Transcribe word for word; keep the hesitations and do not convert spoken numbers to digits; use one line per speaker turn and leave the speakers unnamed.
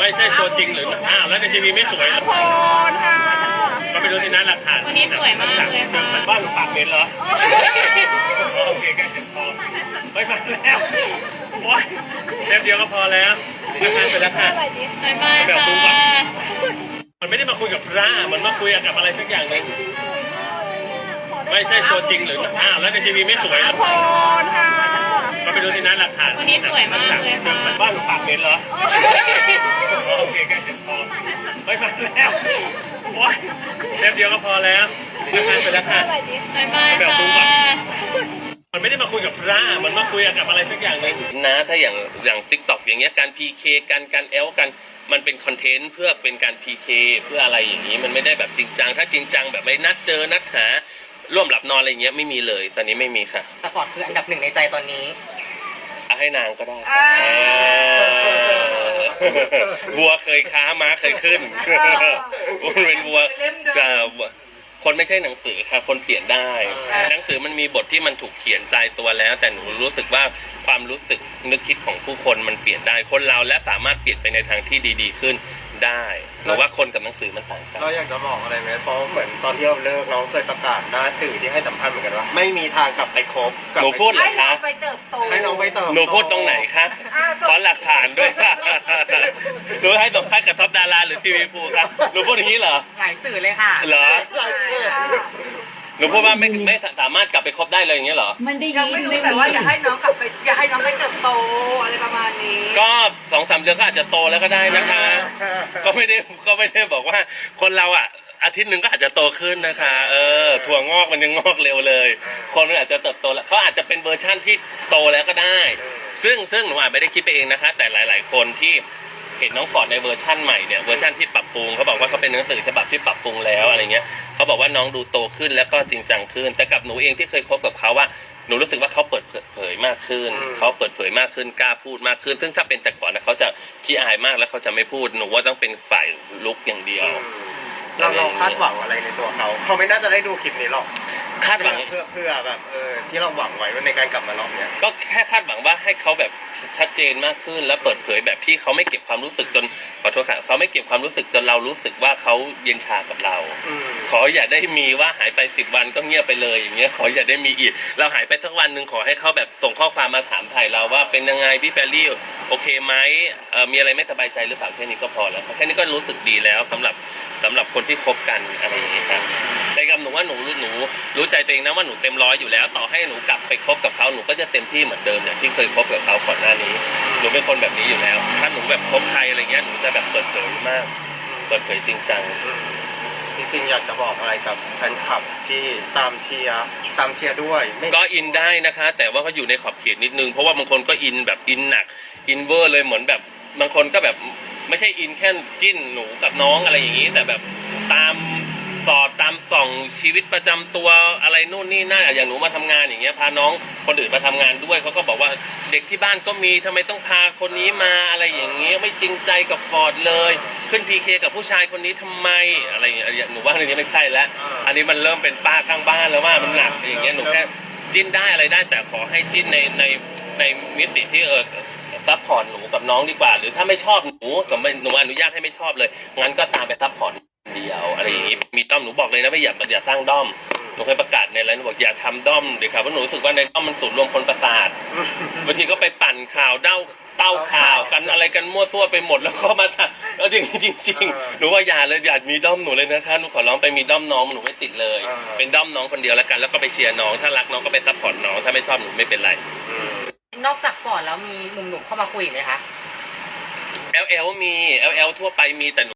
ไม่ใช่ตัวจริงหรืออ้าวแล้วในทีวีไม่สวยเหรอ
โคนค่ะ
ก็ไปดูที่นั้นหลักฐาน
วันนี้สวยมากเลยค่ะ
บ้านหนูปากเหม็นเหรอโอเคแกเจ็บคอไม่มาแล้วโอ๊ยแป๊บเดียวก็พอแล้วนะคะไปแล้วค่ะ
บายบายค่ะ
มันไม่ได้มาคุยกับพระมันมาคุยกับอะไรสักอย่างหนึงไม่ใช่ตัวจริงหรืออ้าวแล้วในทีวีไม่สวยเหรอ
โคนค่ะ
ก็ไปดูที่นั้นหลักฐาน
วันนี้สวยมากเลยค่ะ
บ้านหนูปากเหม็นเหรอโอเคแกเจ็บคอไม่มาแล้วโอ๊ยแป๊บเดียวก็พอแล้วนะคะไปแล้วค่ะ
บายบายค่ะ
มันไม่ได้มาคุยกับพระมันมาคุยกับอะไรสักอย่างหนึงนะถ้าอย่างอย่างติ๊กต็อกอย่างเงี้ยการ พี เค กันการแอลกันมันเป็นคอนเทนต์เพื่อเป็นการ พี เค เพื่ออะไรอย่างนี้มันไม่ได้แบบจริงจังถ้าจริงจังแบบไม่นัดเจอนัดหาร่วมหลับนอนอะไรเงี้ยไม่มีเลยตอนนี้ไม่มีค่ะ
แต่ฟอร์ดคืออันดับหนึ่งในใจตอนนี้
เอาให้นางก็ได้เออวัวเคยค้าม้าเคยขึ้นมันเป็นวัวจะคนไม่ใช่หนังสือค่ะคนเปลี่ยนได้หนังสือมันมีบทที่มันถูกเขียนตายตัวแล้วแต่หนูรู้สึกว่าความรู้สึกนึกคิดของผู้คนมันเปลี่ยนได้คนเราและสามารถเปลี่ยนไปในทางที่ดีๆขึ้นได้หรือว่าคนกับหนังสือมันต่างกัน
เราอยากจะบอกอะไรไหมเพราะเหมือนตอนที่เราเลิกเราเคยประกาศหน้าสื่อที่ให้สัมภาษณ์เหมือนกันว่าไม่มีทางกลับไปคบกลับ
หนู
ไป
พูดเหรอ
ให้น้อ
คะ
งไปเติบโต
ให้น้องไปเติม
หนูพูดตรงไหนคะขอหลักฐานด้วยค่ะหนูให้สัมภาษณ์กับท็อปดาราหรือทีวีภูครับหนูพูดอย่างนี้เหรอ
หลายสื่อเลยค่ะ
เหรอหนูพูดว่าไม่ไม่สามารถกลับไปคบได้เลยอย่างเงี้ยเหรอ
มันได้ยังไม่รู้แต่ว่าอย่าให้น้องกลับไปอย่าให้น้องไปเติบโตอะไรประมาณนี้
ก็สองสามเดือนก็อาจจะโตแล้วก็ได้นะคะ ก็ไม่ได้ก็ไม่ได้บอกว่าคนเราอ่ะอาทิตย์หนึ่งก็อาจจะโตขึ้นนะคะ เออถั่วงอกมันยังงอกเร็วเลย คนมันอาจจะเติบโตแล้วเขาอาจจะเป็นเวอร์ชั่นที่โตแล้วก็ได้ ซึ่งซึ่งหนูอาจไม่ได้คิดไปเองนะคะ แต่หลาย ๆ คนที่เห็นน้องฟอร์ดในเวอร์ชั่นใหม่เนี่ยเวอร์ชั่นที่ปรับปรุงเขาบอกว่าเขาเป็นหนังสือฉบับที่ปรับปรุงแล้วอะไรเงี้ยเขาบอกว่าน้องดูโตขึ้นแล้วก็จริงจังขึ้น แต่กับหนูเองที่เคยคบกับเขาว่าหนูรู้สึกว่าเขาเปิดเผยมากขึ้นเขาเปิดเผยมากขึ้นกล้าพูดมากขึ้น ซึ่งถ้าเป็นแต่ก่อนนะเขาจะขี้อายมากแล้วเขาจะไม่พูดหนูว่าต้องเป็นฝ่ายลุกอย่างเดียว
เราเราคาดหวังอะไรในตัวเขาเขาไม่น่าจะได้ดูคลิปนี้หรอก
คาดหวัง
เพื่อเพื่อแบบเออที่เราหวังไว้ในการกลับมารอบเนี้ย
ก็แค่คาดหวังว่าให้เขาแบบชัดเจนมากขึ้นแล้วเปิดเผยแบบที่เขาไม่เก็บความรู้สึกจนขอโทษค่ะเขาไม่เก็บความรู้สึกจนเรารู้สึกว่าเขาเย็นชากับเรา
อืม
ขออย่าได้มีว่าหายไปสิบวันก็เงียบไปเลยอย่างเงี้ยขออย่าได้มีอีกเราหายไปสักวันหนึ่งขอให้เขาแบบส่งข้อความมาถามไถ่เราว่าเป็นยังไงพี่แฟรรี่โอเคไหมเอ่อมีอะไรไม่สบายใจหรือเปล่าแค่นี้ก็พอแล้วแค่นี้ก็รู้สึกดีแล้วสำหรับสำหรับคนที่คบกันอะไรอย่างเงี้ยครับแต่กับหนูว่าหนูหนูรู้ใจตัวเองนะว่าหนูเต็มร้อยอยู่แล้วต่อให้หนูกลับไปคบกับเขาหนูก็จะเต็มที่เหมือนเดิมอย่างที่เคยคบกับเขาก่อนหน้านี้หนูเป็นคนแบบนี้อยู่แล้วถ้าหนูแบบคบใครอะไรเงี้ยหนูจะแบบเปิดเผยมากเปิดเผยจริงจัง
จริงๆอยากจะบอกอะไรกับแฟนคลับที่ตามเชียร์ตามเชียร์ด้วยไม่
ก็อินได้นะคะ แต่ว่าเขาอยู่ในขอบเขตนิดนึงเพราะว่าบางคนก็อินแบบอินหนักอินเวอร์เลยเหมือนแบบบางคนก็แบบไม่ใช่อินแค่จิ้นหนูกับน้องอะไรอย่างนี้แต่แบบตามสอดตามส่องชีวิตประจำตัวอะไรนู่นนี่นั่นอย่างหนูมาทำงานอย่างเงี้ยพาน้องคนอื่นมาทำงานด้วยเขาก็บอกว่าเด็กที่บ้านก็มีทำไมต้องพาคนนี้มาอะไรอย่างเงี้ยไม่จริงใจกับฟอร์ดเลยขึ้นพีเคกับผู้ชายคนนี้ทำไมอะไรอย่างเงี้ยหนูว่าอันนี้ไม่ใช่แล้วอันนี้มันเริ่มเป็นป้าข้างบ้านแล้วว่ามันหนักอย่างเงี้ยหนูแค่จิ้นได้อะไรได้แต่ขอให้จิ้นในในในมิติที่เออซัพพอร์ตหนูกับน้องดีกว่าหรือถ้าไม่ชอบหนูสมมติหนูอนุญาตให้ไม่ชอบเลยงั้นก็ตามไปซัพพอร์ตเดียวอะไรอย่างงี้มีด้อมหนูบอกเลยนะว่าอย่าอย่าสร้างด้อมหนูเคยประกาศในไลน์หนูบอกอย่าทำด้อมเดี๋ยวครับเพราะหนูรู้สึกว่าในด้อมมันสูญรวมคนประสาทบางทีก็ไปปั่นข่าวเด้าเต้าข่าวกันอะไรกันมั่วซั่วไปหมดแล้วก็มาทำแล้วจริงจริงจริงหนูว่าอย่าเลยอย่ามีด้อมหนูเลยนะคะหนูขอร้องไปมีด้อมน้องหนูไม่ติดเลยเป็นด้อมน้องคนเดียวแล้วกันแล้วก็ไปเชียร์น้องถ้ารักน้องก็ไปซัพพอร์ตน้องถ้าไม่ชอบหนูไม่เป็นไร
นอกจากฟอร์ดแล้วมีหนุ่มๆเข้ามาคุยอีกไหมคะ
แอล แอล มี แอล แอล ทั่วไปมีแต่